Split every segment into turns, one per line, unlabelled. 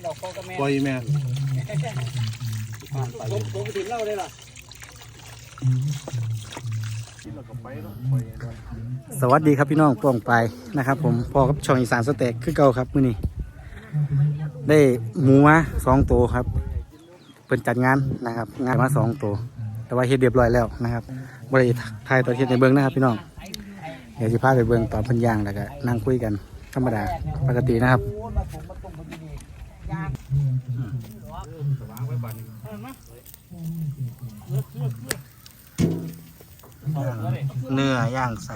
ดอกคอกระแม
ปล่อยแม่
ผมถึงเล่าได้หรอสวัสดีครับพี่น้องป้องไปนะครับผมพอกับช่องอีสานสเต็กคือเก่าครับมื้อนี้ได้หมูมา2 ตัวครับเปิดจัดงานนะครับงานมา2 ตัวแต่ว่าเฮ็ดเรียบร้อยแล้วนะครับบริถ่ายตัวเฮ็ดในเบิ้งนะครับพี่น้องเดี๋ยวจะพาไปเบิ้งตอนเพิ่นย่างแล้วก็นั่งคุยกันธรรมดาปกตินะครับเนื้อย่างใส่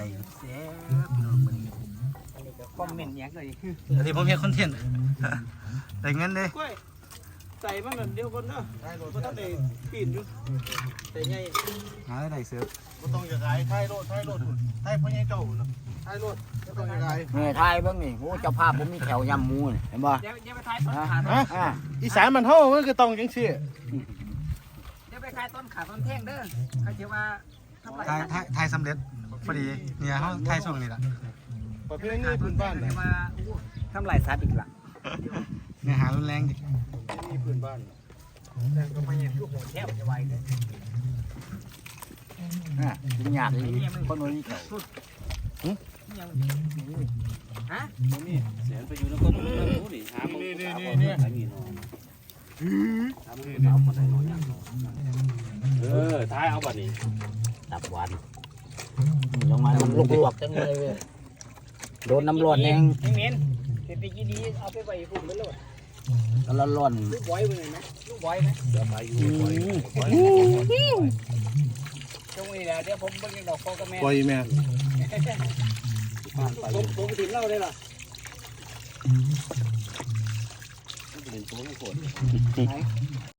คอมเมนต์ยังเลยอันนี้ผมเห็นคอนเทนต์ได้เงินเลยใส่มาแบบเดียวกันเนาะก็ต้องได้ปีนอยู่แต่ไงหาได้เสือก็ต้องจะขายไทยโลดไทยพ่อใหญ่เจ้าไทยโลดก็ต้องจะขาย
นี่ไทยเบิ่งนี่โอ้เจ้าภาพผมมีแถวยำหมูเห็นบ่
เดี๋ยวไปขายต้นขา
อีสานมันเท่ามันก็ต้องจังซี่
เดี๋ยวไปขายต้นขาต้นแท่งเด้อเขาเชื่อว่า
ไทยสำเร็จพอดีเนี่ยเขาไทยช่วงนี้แหละ
ประเภทนี้พื้นบ้านนะ
ทำลายสัตว์อีกละ
เนี่ยหารุนแรงดิ
นี่พื้นบ้าน
แต่ก็ไม่เห็นลูกหัวแทบจะไวเลย
กินยากเลยคนนู้นนี่เขา
ฮะ
นี่เสียนไปอยู่แล้วก็รู้นี่หานี่ท้ายเอาบัดนี้
ตับหวานลงมาลวกจังเลยโดนน้ำร้อนเอง
เมนเป็นปีกี้ดีเอาไปไว้พุ่มไปเลย
ก็ร้อน
ลูกบอยไปเลยไหมลูกบอยไหม
เดี๋ยวไปอยู่
ตรงนี้แหละเดี๋ยวผมเบิ่งดอกคอกระแม
ปล่อยแม่
ผมถึงเล่าได้หรอ